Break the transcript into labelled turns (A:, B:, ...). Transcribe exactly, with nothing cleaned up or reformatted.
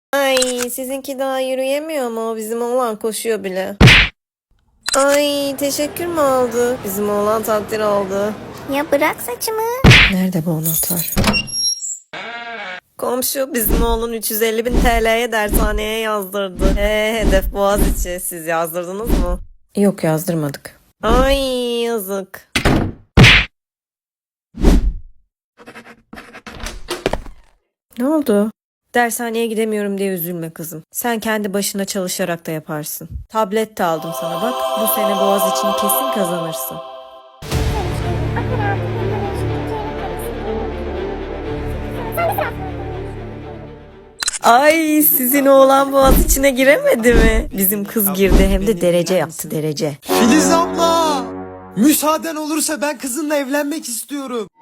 A: Ay sizinki daha yürüyemiyor mu? Bizim oğlan koşuyor bile. Ay teşekkür mü aldı? Bizim oğlan takdir aldı.
B: Ya bırak saçımı.
A: Nerede bu anahtar? Komşu bizim oğlun üç yüz elli bin T L'ye dershaneye yazdırdı. He hedef Boğaziçi. Siz yazdırdınız mı? Yok yazdırmadık. Ay yazık. Ne oldu? Dershaneye gidemiyorum diye üzülme kızım. Sen kendi başına çalışarak da yaparsın. Tablet de aldım sana bak. Bu sene Boğaziçi'ni kesin kazanırsın. Ay sizin oğlan Boğaziçi'ne giremedi mi? Bizim kız girdi hem de derece yaptı derece.
C: Filiz abla! Müsaaden olursa ben kızınla evlenmek istiyorum.